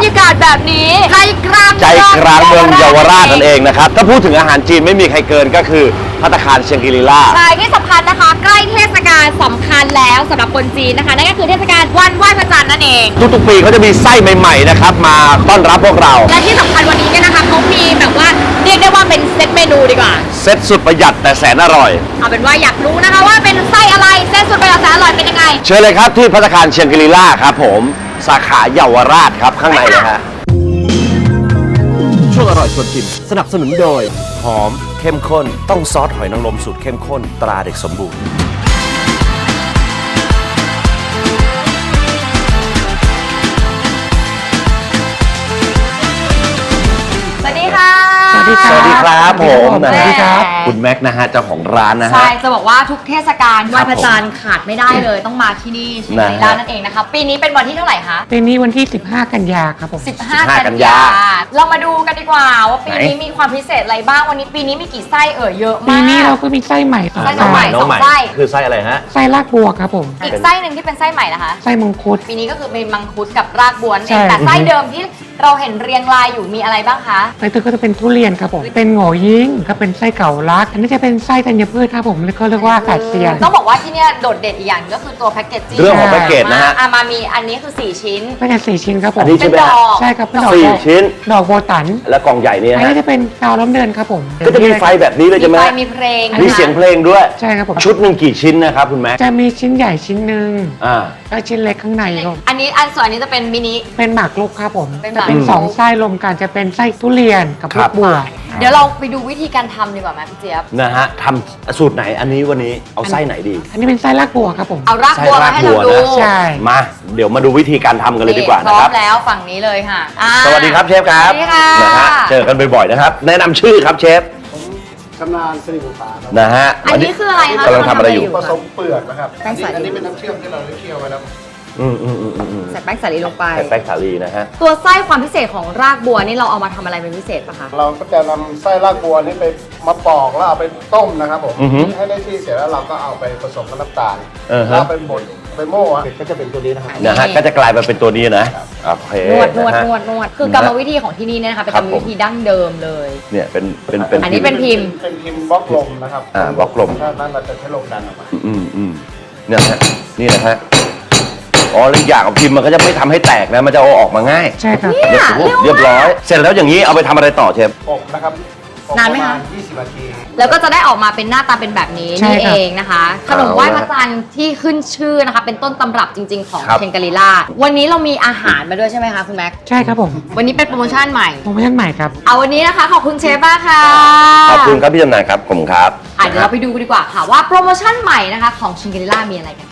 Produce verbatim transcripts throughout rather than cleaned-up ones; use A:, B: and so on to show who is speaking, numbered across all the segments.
A: รยากาศแบบนี้ใจกลาง
B: ใจกลางเมืองเยาวราชนั่นเองนะครับถ้าพูดถึงอาหารจีนไม่มีใครเกินก็คือภัตตาคารเชียงกิริล่า
A: ใช่ที่สำคัญนะคะใกล้เทศกาลสำคัญแล้วสำหรับคนจีนนะคะนั่นก็คือเทศกาลวันไหว้พระจันทร์นั่นเอง
B: ทุกๆปีเขาจะมีไส้ใหม่ๆนะครับมาต้อนรับพวกเรา
A: และที่สำคัญวันนี้เนี่ยนะคะเขามีแบบว่าเรียกได้ว่าเป็นเซตเมนูดีกว่า
B: เซตสุดประหยัดแต่แสนอร่อย
A: เอาเป็นว่าอยากรู้นะคะว่าเป็นไส้อะไรเซตสุดประหยัดแสนอร่อยเป็นยังไง
B: เชิญเลยครับที่ภัตตาคารเชียงกิริล่าครับผมสาขาเยาวราชครับข้างในนะฮะช่วงอร่อยชวนชิมสนับสนุนโดยหอมเข้มข้นต้องซอสหอยนางรมสูตรเข้มข้นตราเด็กสมบูรณ์
A: สวัสดีค่ะ
B: สวัสดีครับสวัสดีครับผม
C: สวัสดีครับ
B: คุณแม็กนะฮะเจ้าของร้านนะฮะ
A: ใช่จะบอกว่าทุกเทศกาลไหว้พระจันทร์ขาดไม่ได้เลยต้องมาที่นี่เชียงกิริล่านั่นเองนะคะปีนี้เป็นวันที่เท่าไหร่คะ
C: ปีนี้วันที่สิบห้ากันยาครับผม
A: สิบห้ากันยาเรามาดูกันดีกว่าว่าปีนี้มีความพิเศษอะไรบ้างวันนี้ปีนี้มีกี่ไส้เอ่ยเยอะมาก
C: ปีนี้เราก็มีไส้ใหม่สอง
A: ไส้ใหม่สองไส้
B: คือไส้อะไรฮะ
C: ไส้รากบัวครับผม
A: อีกไส้หนึ่งที่เป็นไส้ใหม่นะคะ
C: ไส้มังคุด
A: ปีนี้ก็คือเป็นมังคุดกับรากบัวเองแต่ไส้เดิมที่เราเห็นเรียงรายอยู่มีอะไรบ้างคะ
C: ไส้ตัวก็จะเป็นทุเรียนครับผมเป็นโง่ยิ่งก็เป็นไส้เก่าลักอันนี้จะเป็นไส้ธัญพืชครับผมแล้วก็เรียกว่าแปดเซียน
A: ต้องบอกว่าที่นี่โดดเด่นอีกอย่างก็คือตัวแพ็กเกจจิ้ง
B: เรื่องของแพ็กเกจนะฮะ
A: อามามีอันนี้คือสี่ชิ้น
C: แพ็กเกจสี่ชิ้นครับผม
B: อันนี้ใช่ไหมฮะ
C: ใช่ครับเป็นดอก
B: สี่ชิ้น
C: ดอกโบตัน
B: และกล่องใหญ่เนี่ย
C: อันนี้จะเป็นกาวล้อมเดือนครับผม
B: ก็จะมีไฟแบบนี้เลยใช่ไหม
A: มีไฟมีเพลง
B: มีเสียงเพลงด้วย
C: ใช่ครับผม
B: ชุดหนึ่งกี่ชิ้นนะครับคุณแม่
C: จะมีชิ้นใหญ่ชิ้นหนึ่ง
B: อ่า
C: ก็ชิ้นเล็กข้างในครับ
A: อันนี้อันส่วนอันนี้จะเป็นมินิ
C: เป็นหมากรุกครับผมจะเป็นสองไส้รวมกันจะเป็นไส้ทุเรียนกับลูกบัว
A: เดี๋ยวเราไปดูวิธีการทำดีกว่าไหมพี่เจี๊ยบ
B: นะฮะทำสูตรไหนอันนี้วันนี้เอาไส้ไหนดี
C: อันนี้เป็นไส้รากบัวครับผม
A: เอารากบัวมาให้เราดู
C: ใช่
B: มาเดี๋ยวมาดูวิธีการทำกันเลยดีกว่านะครับ
A: พร้อมแล้วฝั่งนี้เลยค่ะ
B: สวัสดีครับเชฟครับ
A: สวัสดีค่ะ
B: นะฮะเจอกันบ่อยๆนะครับแนะนำชื่อครับเชฟ
D: ชำนาญสิริบุตรครับ
B: นะฮะ
A: อันนี้คืออะไรคะ
B: กำลังทำอะไรอยู่
D: ผสมเปลือกนะครับอันนี้เป็นน้ำเชื่อมที่เราได้เคี่ยวไว้แล้ว
B: อืมอืมอืมอืม
A: ใส่แป้งสาลีลงไป
B: ใส่แป้งสาลีนะฮะ
A: ตัวไส้ความพิเศษของรากบัวนี่เราเอามาทำอะไรเป็นพิเศษปะคะ
D: เราก็จะนำไส้รากบัวนี่ไปมาปอกแล้วเอาไปต้มนะครับผมให้ได้ที่เสร็จแล้วเราก็เอาไปผสมกับน้ำตาลแล้วไปบดไปโม่ก็จะเป็นตัวนี้นะครับ
B: นะฮะก็จะกลายมาเป็นตัวนี้นะโอเคน
A: วดนวดนวดนวดคือกรรมวิธีของที่นี่เนี่ยนะคะเป็นกรรมวิธีดั้งเดิมเลย
B: เนี่ยเป็นเป็นเป็น
A: อันนี้เป็นพิมพ์
D: เป็นพิมพ์บล็อกลมนะครับ
B: อ่าบล็อกลม
D: ถ้านั้นเราจะใช้ลมดันออกมา
B: อืมอืมเนี่ยฮะนี่นะฮะอ๋อแล้วอย่างของพิมพ์มันก็จะไม่ทำให้แตกนะมันจะเอาออกมาง่าย
C: ใช่ครับ
B: เรียบร้อยเสร็จแล้วอย่างนี้เอาไปทำอะไรต่อเชฟ
D: อบนะครับ
A: นานไหมคะ
D: ยี่สิบนาที
A: แล้วก็จะได้ออกมาเป็นหน้าตาเป็นแบบนี้นี่เองนะคะขนมไหว้พระจันทร์ที่ขึ้นชื่อนะคะเป็นต้นตำรับจริงๆของเชียงกิริล่าวันนี้เรามีอาหารมาด้วยใช่ไหมคะคุณแม็ก
C: ใช่ครับผม
A: วันนี้เป็นโปรโมชั่นใหม่
C: โปรโมชั่นใหม่ครับ
A: เอาวันนี้นะคะขอบคุณเชฟมากค่ะ
B: ขอบคุณครับพี่จำนายครับผมครับ
A: เดี๋ยวเราไปดูกันดีกว่าค่ะว่าโปรโมชั่นใหม่นะคะของเชียงกิริล่ามีอะไรกัน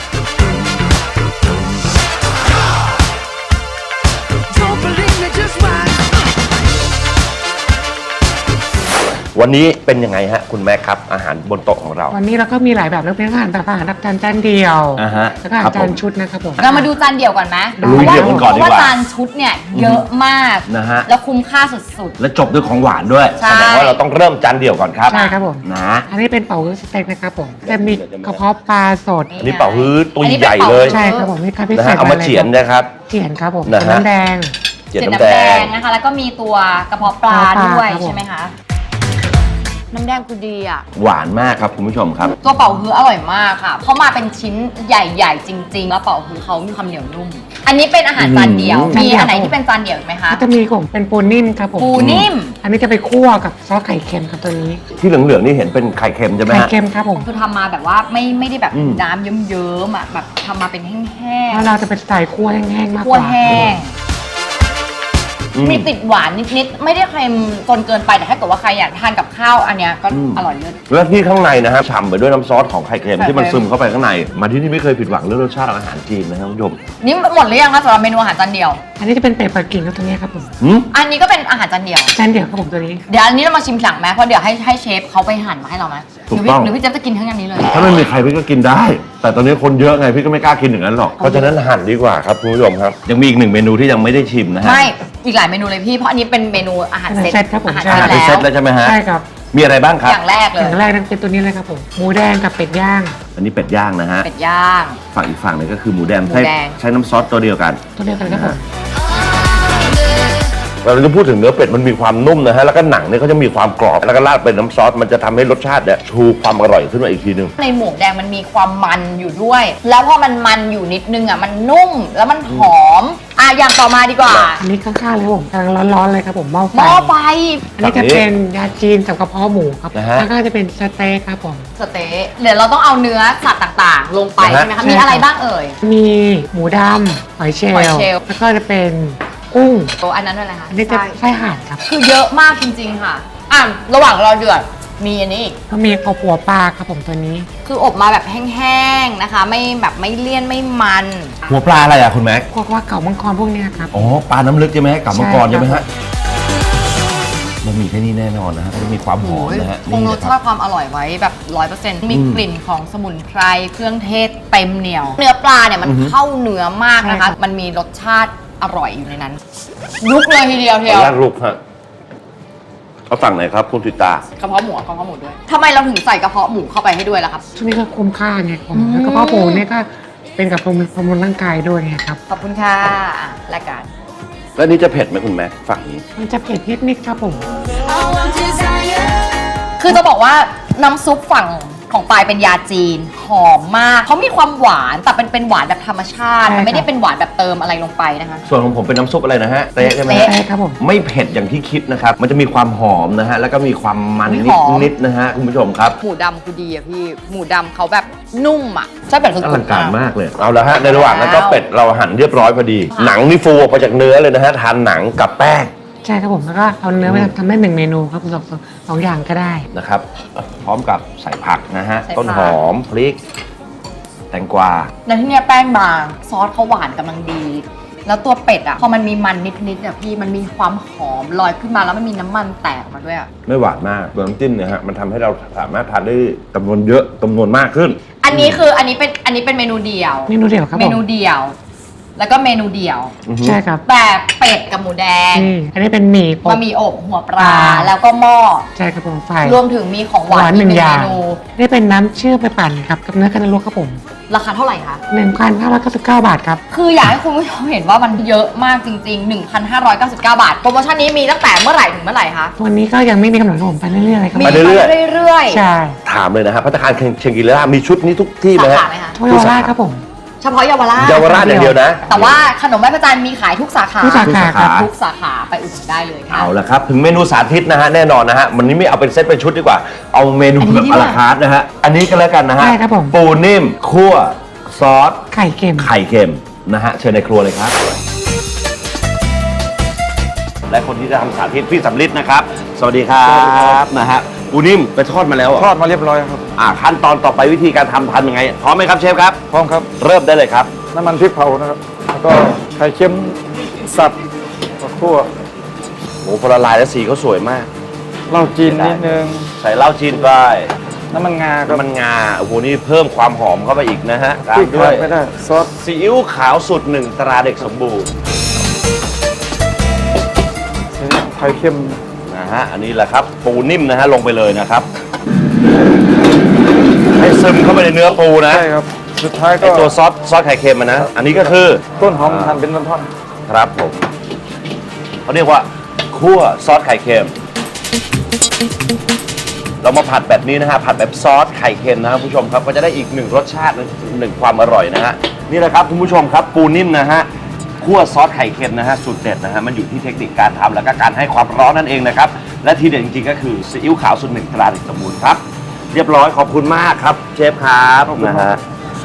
B: วันนี้เป็นยังไงฮะคุณแม่ครับอาหารบนโต๊ะของเรา
C: วันนี้เราก็มีหลายแบบเลือกเป็นอาหารแบบอาหารรับจานจานเดียวแล้วก็อาหารจานชุดนะครับผม
A: เรามาดูจานเดียวก่อนไหม
B: ลุยเดี่ยวกันก่อนดีกว่า
A: เพราะว่าจานชุดเนี่ยเยอะมาก
B: นะฮะ
A: แล้วคุ้มค่าสุด
B: ๆและจบด้วยของหวานด้วยแสดงว่าเราต้องเริ่มจานเดียวก่อนครับ
C: ใช่ครับผม
B: นะ
C: อันนี้เป็นเป่าฮื้อสเต็กนะครับผมจะมีกระเพาะปลาสด
B: อันนี้เป่าฮื้อตัวใหญ่เลย
C: ใช่ครับผมนี่ครับพิเศษ
B: เอามาเฉียนนะครับ
C: เฉียนครับผมน้ำแดง
A: เฉียนน้ำแดงนะคะแล้วก็มีตัวกระเพาะปลาด้วยใช่ไหมคะน้ำแดงคือดีอ่ะ
B: หวานมากครับคุณผู้ชมครับ
A: ตัวเป่าฮื้ออร่อยมากค่ะเขามาเป็นชิ้นใหญ่ๆจริงๆแล้วเป่าฮื้อเขามีความเหนียวนุ่มอันนี้เป็นอาหารจานเดียวมีอันไหนที่เป็นจานเดียวไหมคะ
C: ก็จะมีของเป็นปูนิ่มครับผม
A: ปูนิ่ม
C: อันนี้จะไปคั่วกับซอสไข่เค็มครับตัวนี้
B: ที่เหลืองๆนี่เห็นเป็นไข่เค็มใช่ไหม
C: ไข่เค็มครับผม
A: คือทำมาแบบว่าไม่ไม่ได้แบบน้ำเยิ้มๆอ่ะแบบทำมาเป็นแห้งๆ
C: แล้วเราจะเป็นสไตล์คั่วแห้งๆมากกว่า
A: คั่วแห้งมีติดหวานนิดๆไม่ได้เค็มจนเกินไปแต่ถ้าเกิดว่าใครอยากทานกับข้าวอันเนี้ยก็อร่อยเลิศ
B: แล้วที่ข้างในนะฮะฉ่ำไปด้วยน้ำซอสของไข่เค็มที่มันซึมเข้าไปข้างในมาที่นี่ไม่เคยผิดหวังเรื่องรสชาติอาหารจีนนะครับคุณผู้ชม
A: นี่หมดหรือยังคะสำหรับเมนูอาหารจานเดียว
C: อันนี้จะเป็นเป็ดปักกิ่งครับตัวนี้ครับผม
A: อันนี้ก็เป็นอาหารจานเดียว
C: จานเดียวครับผมตัวนี้
A: เดี๋ยวอันนี้เรามาชิมหลังไหมเพราะเดี๋ยวให้ให้เชฟเขาไปหั่นมาให้เราไหมหรือพี่หรือพี่เจ๊จะกินทั้งอันนี้เลย
B: ถ้าไม่มีใครพี่ก็กินได้แต่ตอนนี้คนเยอะไงพี่ก็ไม่กล้ากินอย่างนั้นหรอกเพราะฉะนั้นหั่นดีกว่าครับคุณผู้ชมครับยังมีอีกหนึ่งเมนูที่ยังไม่ได้ชิมนะฮะ
A: ไม่อีกหลายเมนูเลยพี่เพราะอันนี้เป็นเมนูอาหารเซต
C: ครับผม
A: อาหาร
B: เซตแล้วใช่ไหมฮะ
C: ใช่ครับ
B: มีอะไรบ้างครับ
A: อย่างแรกเลย
C: อย่างแรกนั่นเป็นตัวนี้เลยครับผมหมูแดงกับเป็ดย่าง
B: อันนี้เป็ดย่างนะฮะ
A: เป็ดย่าง
B: ฝั่งอีกฝั่งนึงก็คือหมูแดงใช้ใช้น้ำซอสตัวเดียวกัน
C: ตัวเดียวกันครับผม
B: เราจะพูดถึงเนื้อเป็ดมันมีความนุ่มนะฮะแล้วก็หนังเนี่ยก็จะมีความกรอบแล้วก็ราดเป็นน้ำซอสมันจะทำให้รสชาติเนี่ยชูความอร่อยขึ้นมาอีกทีนึง
A: ในหมูแดงมันมีความมันอยู่ด้วย แล้วพอมันมันอยู่นิดนึงอ่ะมันนุ่มแล้วมันหอมอ่ะอย่างต่อมาดีกว่า
C: อันนี้ข้างๆเลยครับผมกำลังร้อนๆเลยครับผมหม้อไฟ
A: หม้อไฟ
C: อันนี้จะเป็นยาจีนกับกระเพาะหมูครับ
B: นะฮะ
C: ข้างๆจะเป็นสเต็กครับผม
A: สเต๊ะเดี๋ยวเราต้องเอาเนื้อสัตว์ต่างๆ ลงไป
B: นะฮะ
A: ใช่ไหมคะมีอะไรบ้างเอ่ย
C: มีหมูดำหอยเชล
A: หอย
C: ล์
A: เชลล์
C: แล้วก็จะเป็นกุ้ง
A: โอ้อันนั้นอะไรคะ
C: อันนี้จะ
A: ไส้
C: ไส้ห่านครับ
A: คือเยอะมากจริงๆค่ะอ่ะระหว่างรอเดือดมีอันนี้อีก
C: ก็มีข้าวผัวปลาครับผมตัวนี้
A: คืออบมาแบบแห้งๆนะคะ ไม่แบบไม่เลี่ยนไม่มัน
B: หัวปลาอะไรอ่ะคุณแม็ก
C: พวกว่าเก่ามังกรพวกเนี้ยครับ
B: อ๋อปลาน้ำลึกใช่ไหมกับมังกร
C: ใช่
B: ใช่ไหม
C: ครั
B: ฮะ
C: บ
B: มันมีแค่นี้แน่นอนนะฮะจะมีความหอมนะฮะ
A: คงรส
B: นะค
A: ชา
B: รับ
A: ติความอร่อยไว้แบบร้อยเปอร์เซ็นต์มี
B: อืม
A: กลิ่นของสมุนไพรเครื่องเทศเต็มเหนียว เนื้อปลาเนี่ยมัน
B: อือฮึ
A: เข้าเนื้อมากนะคะ
C: ใช่ครับ
A: มันมีรสชาติอร่อยอยู่ในนั้นลุกเลยทีเดียว
B: ขอ
A: เที
B: อ
A: ยว
B: นุญาตลูกฮะเขาสั่งไหนครับคุณติตา
A: กระเพาะหมูกระเพาะหมูด้วยทำไมเราถึงใส่กระเพาะหมูเข้าไปให้ด้วยล่ะครับ
C: ช่วงนี้ก็คุ้มค่าไงผม
A: อืม
C: แล้วก็พ่อปูเนี่ยก็เป็นกับบำรุงบำรุงร่างกายด้วยไงครับ
A: ขอบคุณค่ะอ่ะแลกกัน
B: แล้วนี่จะเผ็ดไหมคุณแม็กฝั่งนี้
C: มันจะเผ็ดนิดๆครับผม
A: คือจะบอกว่าน้ำซุปฝั่งของปลายเป็นยาจีนหอมมากเขามีความหวานแต่เป็นเป็นหวานแบบธรรมชาติ
C: ใช่
A: มันไม่ได้
C: ครับ
A: เป็นหวานแบบเติมอะไรลงไปนะคะ
B: ส่วนของผมเป็นน้ำซุปอะไรนะฮะเต๊ะใช่ไหม
A: เต๊ะ
B: ฮะ
C: ใช่ครับผม
B: ไม่เผ็ดอย่างที่คิดนะครับ มันจะมีความหอมนะฮะ แล้วก็มีความมัน
A: อุ๊ย
B: นิ
A: ห
B: ด
A: อม
B: นิดนะฮะคุณผู้ชมครับ
A: หมูดำคือดีอะพี่ หมูดำเขาแบบนุ่มอะใช่แบบสุด
B: อ
A: ๆ
B: ลังการ
A: อะ
B: มากเลย เอาละฮะ ในระหว่างนั้นก็เป็ดเราหั่นเรียบร้อยพอดี
A: ค่ะ
B: หนังนี่ฟูออกมาจากเนื้อเลยนะฮะ ทานหนังกับแป้ง
C: ใช่ครับผมแล้วก็เอาเนื้อไปทำได้หนึ่งเมนูครับสองสองสองอย่างก็ได้
B: นะครับ พร้อมกับใส่ผักนะฮะ
A: ใส่ผัก
B: ต้นหอม พริก แตงกวา
A: แล้วที่เนี้ยแป้งบาง ซอสเขาหวานกำลังดี แล้วตัวเป็ดอะพอมันมีมันนิดๆอะพี่ มันมีความหอมลอยขึ้นมาแล้วมันมีน้ำมันแตกออกมาด้วยอะ
B: ไม่หวานมากตัวน้ำจิ้มเนี่ยฮะ มันทำให้เราสามารถทานได้จำนวนเยอะจำนวนมากขึ้น
A: อันนี้คืออันนี้เป็นอันนี้เป็นเมนูเดียว
C: เมนูเดียวครับ
A: เม
C: ผม
A: นูเดียว แล้วก็เมนูเดียว
B: อือฮึ
C: ใช่ครับ
A: แต่เป็ดกับหมูแดง
C: นี่อันนี้เป็นหมี่อบ
A: มามีอบหัวปลา
C: ปลา
A: แล้วก็หม้อ
C: ใช่ครับผมไฟ
A: รวมถึงมีของหวาน
C: หวานหนึ่ง
A: ก
C: อย่าง
A: เมนู
C: นี่เป็นน้ำเชื่อมไปปั่นครับกับเนื้อกันลวกครับผม
A: ราคาเท่าไหร่คะ
C: หนึ่งพันห้าร้อยเก้าสิบเก้าบาทครับ
A: คืออยากให้คุณผู้ชมเห็นว่ามันเยอะมากจริงๆ หนึ่งพันห้าร้อยเก้าสิบเก้า บาท โปรโมชั่นนี้มีตั้งแต่เมื่อไหร่ถึงเมื่อไหร่คะ
C: วันนี้ก็ยังไม่มีกำหนดครับผมไปเรื่อยๆเลยครับ
A: มี
B: ไป
A: ไป
B: เรื่อย
A: เรื่อย
C: ใช่
B: ถามเลยนะฮะพัตตาคารเชงกิล่ามีชุดนี้ทุกที่
A: ๆ
B: ไหม
A: สา
B: ฮะ
A: ขาไหมคะ
C: ทวยาราชครับผม
A: เฉพาะเยาวราช
B: เยาวราชอย่างเดียวนะ
A: แต่ว่าขนมไหว้พระจันทร์มีขายทุกสาขา
C: ทุกสาขาครับ
A: ทุกสาขาไปอุดหนุนได้เลยค่ะ
B: เอาละครับ ถึงเมนูสาธิตนะฮะ แน่นอนนะฮะ วันนี้ไม่เอาเป็นเซตเป็นชุดดีกว่า เอาเมนู
A: อันนี้
B: แบบ
A: ดี
B: อ
A: กว่า
B: ลาคาร์ทนะฮะ อันนี้ก็แล้วกันนะฮะ
C: ใช่ครับผม
B: ปูนิ่ม คั่ว ซอส
C: ไข่เค็ม
B: ไข่เค็มนะฮะ เชิญในครัวเลยครับ และคนที่จะทำสาธิตพี่สำลิดนะครับ สวัสดีครับนะฮะปูนิ่มไปทอดมาแล้วเหร
E: ทอดมาเรียบร้อยครับ
B: อ่าขั้นตอนต่อไปวิธีการทำทำยังไงพร้อมไหมครับเชฟครับ
E: พร้อมครับ
B: เริ่มได้เลยครับ
E: น้ำมันพริกเผานะครับ แล้วก็ไข่เค็มสับกับคั่ว
B: โอ้พอละลายแล้วสีเขาสวยมาก
E: เหล้าจีนนิดนึง
B: ใส่เหล้าจีนไป
E: น้ำมันงาครับ
B: น้ำมันงา โอ้โห นี่เพิ่มความหอมเข้าไปอีกนะฮะตา
E: พริ
B: ม
E: ก
B: ด้
E: ขา
B: วย
E: ดไม่ได้ ซอส
B: ซีอิ๊วขาวสูตรหนึ่งตราเด็กสมบูรณ์
E: ไข่เค็ม
B: นะฮะ อันนี้แหละครับ ปูนิ่มนะฮะ ลงไปเลยนะครับ ให้ซึมเข้าไปในเนื้อปูนะ
E: ใช่ครับ สุดท้ายก็
B: ไอตัวซอสซอสไข่เค็มอะนะ อันนี้ก็คือ
E: ต้นหอมหั่นเป็นท่อน
B: ครับผมเขาเรียกว่าคั่วซอสไข่เค็ม เรามาผัดแบบนี้นะฮะ ผัดแบบซอสไข่เค็มนะครับคุณผู้ชมครับ ก็จะได้อีกหนึ่งรสชาติหนึ่งความอร่อยนะฮะ นี่แหละครับคุณผู้ชมครับปูนิ่มนะฮะ คั่วซอสไข่เค็มนะฮะสูตรเด็ดนะฮะมันอยู่ที่เทคนิคการทำแล้วก็การให้ความร้อนนั่นเองนะครับและทีเด็ดจริงๆก็คือซีอิ๊วขาวสูตรหนึ่งตราเด็กสมบูรณ์ครับเรียบร้อยขอบคุณมากครับเชฟครับนะฮะ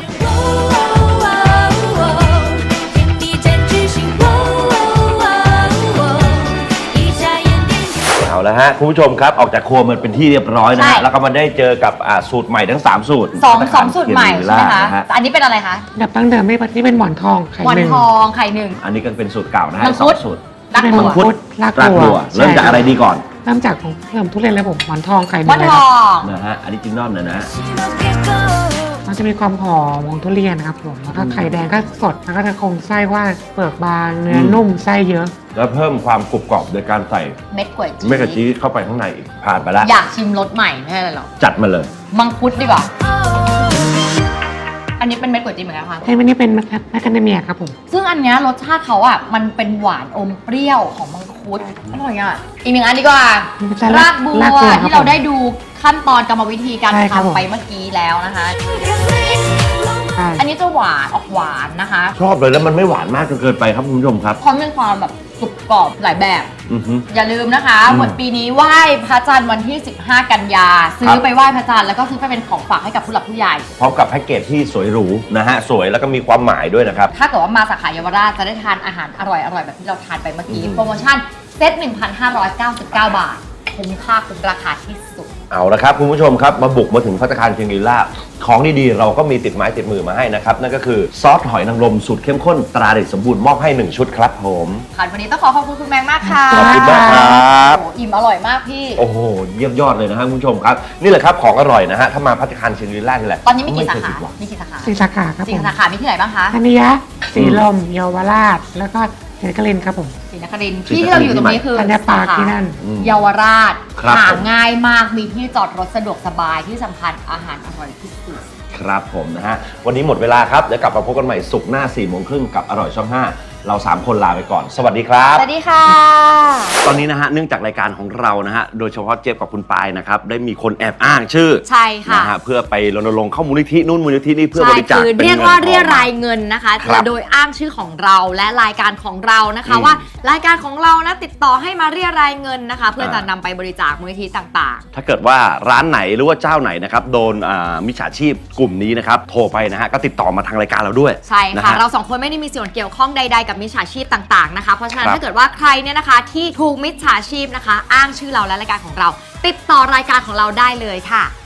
B: เอาละฮะคุณผู้ชมครับออกจากครัวมันเป็นที่เรียบร้อยนะ
A: ใช่
B: ฮะแล้วก็มาได้เจอกับอ่าสูตรใหม่ทั้งสามสูตร
A: สองสองสูตรใหม่ใช่ไหมคะ
B: นฮ
A: แต่อันนี้เป็นอะไรคะ
C: ดับตั้งเดิมไม่ปฏิเป็นหมอนทองไข่
A: วัน
C: หนึ่ง
A: ทองไข่หนึ่ง
B: อันนี้ก็เป็นสูตรเก่านะฮะ
A: มัง
B: ส
A: คุ
B: อ
A: ด
B: งสูตร
A: รัก
C: เป็น
A: ตั
C: มั
A: ว
C: งคุดราก
B: ราก
C: บัว
B: บัวเริ่มจากอะไรดีก่อน
C: เริ่มจากของเริ่มทุเรียนเลยผมหมอนทองไข่ห
A: วั
C: นึ่
A: น
C: งเลย
A: ท
C: ครั
A: อบ ง
B: นะฮะอันนี้จินนอนนะนะ
C: มันจะมีความหอมของทุเรียนนะครับผมแล้วก็ไข่แดงก็สดแล้วก็จะคงไส้ว่าเปลือกบางเนื้อนุ่มไส้เยอะ
B: แล้วเพิ่มความกรุบกรอบโดยการใส่
A: เม็ดกล้วยจี
B: เมกะจีเข้าไปข้างในอีกผ่านไปแล้ว
A: อยากชิมรสใหม่ไม่ใช่อะไรหรอก
B: จัดมาเลย
A: มังคุดดีกว่า อันนี้เป็นเม็ดกล้วยจีเหมือนกันค่ะ
C: ใช่ไหมนี่เป็นแมคคาเดเมียครับผม
A: ซึ่งอันเนี้ยรสชาติเขาอ่ะมันเป็นหวานอมเปรี้ยวของมังคุฟู้ดอร่อยอ่ะอีกหนึ่งอันดีกว่า
C: จะ
A: รากบัว
C: รากบัวครับ
A: ที่เราได้ดูขั้นตอนกรรมวิธีการ
C: ใช่ครับผม
A: ทำไปเมื่อกี้แล้วนะคะ
C: ใช่
A: อันนี้จะหวานออกหวานนะคะ
B: ชอบเลยแล้วมันไม่หวานมากจนเกินไปครับคุณผู้ชมครับ
A: พร้อมมีความแบบกรุบกรอบหลายแบบ
B: อือฮึ
A: อย่าลืมนะคะ
B: อืม
A: หมดปีนี้ไหว้พระจันทร์วันที่ สิบห้า กันยา ซื้
B: ครั
A: อบ ไปไหว้พระจันทร์แล้วก็ซื้อไปเป็นของฝากให้กับผู้หลักผู้ใหญ่
B: พร้อมกับแพ็กเกจที่สวยหรูนะฮะสวยแล้วก็มีความหมายด้วยนะครับ
A: ถ้าเกิดว่ามาสาขาเยาวราชจะได้ทานอาหารอร่อยๆ แบบที่เราทานไปเมื่อกี้
B: อืม
A: โปรโมชั่นเซต หนึ่งพันห้าร้อยเก้าสิบเก้า บาท คุ้มค่าคุ้มราคาที่สุด
B: เอาละครับคุณผู้ชมครับมาบุกมาถึงภัตตาคารเชียงรีลาของดีๆเราก็มีติดไม้ติดมือมาให้นะครับนั่นก็คือซอสหอยนางรมสูตรเข้มข้นตราเด็กสมบูรณ์มอบให้หนึ่งชุดครับผม
A: ค่ะวันนี้ต้องขอขอบคุณคุณแมงมากค่ะ
B: ขอบคุณมากครับ
A: โอ้โหอิ่มอร่อยมากพี่
B: โอ้โหเยี่ยมยอดเลยนะฮะคุณผู้ชมครับนี่แหละครับของอร่อยนะฮะถ้ามาภัตตาคารเชียงรีลานี่แหละ
A: ตอนนี้มีกี่สา
B: ไเคย
A: ขา
B: ผิดหวัง
A: มีกี่สาขา
C: สี่สาขาครับ
A: สี่
C: ผม
A: สาขา มีที่ไหนบ้างคะ
C: ธัญญะสีลมเยาวราช แล้วก็เศรษฐกลินครับผม
A: ศรีนครินทร์ที่ที่เราอยู่ตรงนี้คือ
C: ธัญปาร์คที่นั่น
B: อืม
A: เยาวราช
B: ครับ
A: หา
B: ผม
A: ง่ายมาก มีที่จอดรถสะดวกสบายที่สำคัญอาหารอร่อยที่สุด
B: ครับผมนะฮะวันนี้หมดเวลาครับเดี๋ยวกลับมาพบกันใหม่ศุกร์หน้าสี่โมงครึ่งกับอร่อยช่องห้าเราสามคนลาไปก่อน สวัสดีครับ
A: สวัสดีค่ะ
B: ตอนนี้นะฮะเนื่องจากรายการของเรานะฮะโดยเฉพาะเจฟกับคุณปายนะครับได้มีคนแอบอ้างชื่อ
A: ใช่ค่ะ
B: นะฮะเพื่อไปรณรงค์เข้ามูลนิธินู่นมูลนิธินี่เพื่อบ
A: ใช่
B: ริจาค
A: คือ
B: เป็น
A: เรียก
B: งิน
A: ว่า
B: ทอง
A: เรียรายเงินนะคะ
B: ครับ
A: โดยอ้างชื่อของเราและรายการของเรานะคะ
B: อืม
A: ว่ารายการของเรานะติดต่อให้มาเรียรายเงินนะคะ เพื่อจะ
B: อ่าน
A: นำไปบริจาคมูลนิธิต่าง
B: ถ้าเกิดว่าร้านไหนหรือว่าเจ้าไหนนะครับโดนอ่ามิจฉาชีพกลุ่มนี้นะครับโทรไปนะฮะก็ติดต่อมาทางรายการเราด้วย
A: ๆ ใช่
B: นะ
A: ค่ะ
B: ฮะ
A: เราสองคนไม่ได้มีส่วนเกี่ยวข้องใดๆกับมิจฉาชีพต่างๆนะคะ เพราะฉะนั้น
B: ครับ
A: ถ้าเกิดว่าใครเนี่ยนะคะที่ถูกมิจฉาชีพนะคะ อ้างชื่อเราและรายการของเรา ติดต่อรายการของเราได้เลยค่ะ